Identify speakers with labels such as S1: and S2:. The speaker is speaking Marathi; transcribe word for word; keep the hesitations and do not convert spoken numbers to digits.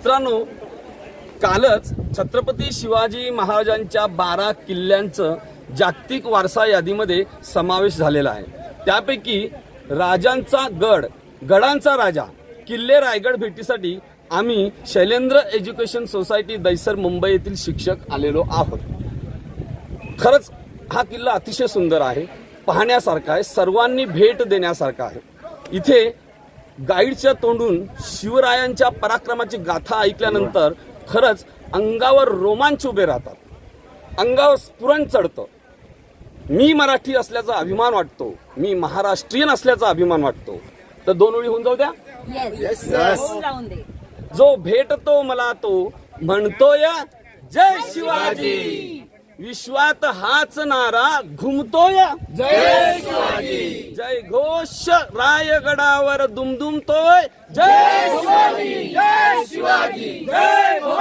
S1: मित्रांनो, कालच छत्रपती शिवाजी महाराजांच्या बारा किल्ल्यांचं जागतिक वारसा यादीमध्ये समावेश झालेला आहे। त्यापैकी राजांचा गड, गडांचा राजा किल्ले रायगड भेटीसाठी आम्ही शैलेंद्र एज्युकेशन सोसायटी दैसर मुंबई येथील शिक्षक आलेलो आहोत। खरंच हा किल्ला अतिशय सुंदर आहे, पाहण्यासारखा आहे, सर्वांनी भेट देण्यासारखा आहे। इथे गाईडच्या तोंडून शिवरायांच्या पराक्रमाची गाथा ऐकल्यानंतर खरंच अंगावर रोमांच उभे राहतात, अंगावर स्फुरण चढतं। मी मराठी असल्याचा अभिमान वाटतो, मी महाराष्ट्रीयन असल्याचा अभिमान वाटतो। तर दोन ओळी होऊन जाऊ द्या।
S2: येस
S1: जो भेटतो मला तो म्हणतोय जय शिवाजी, विश्वात हाच नारा घुमतोय जय शिवाजी, जय घोष रायगडावर दुमदुमतोय जय शिवाजी, जय शिवाजी, जय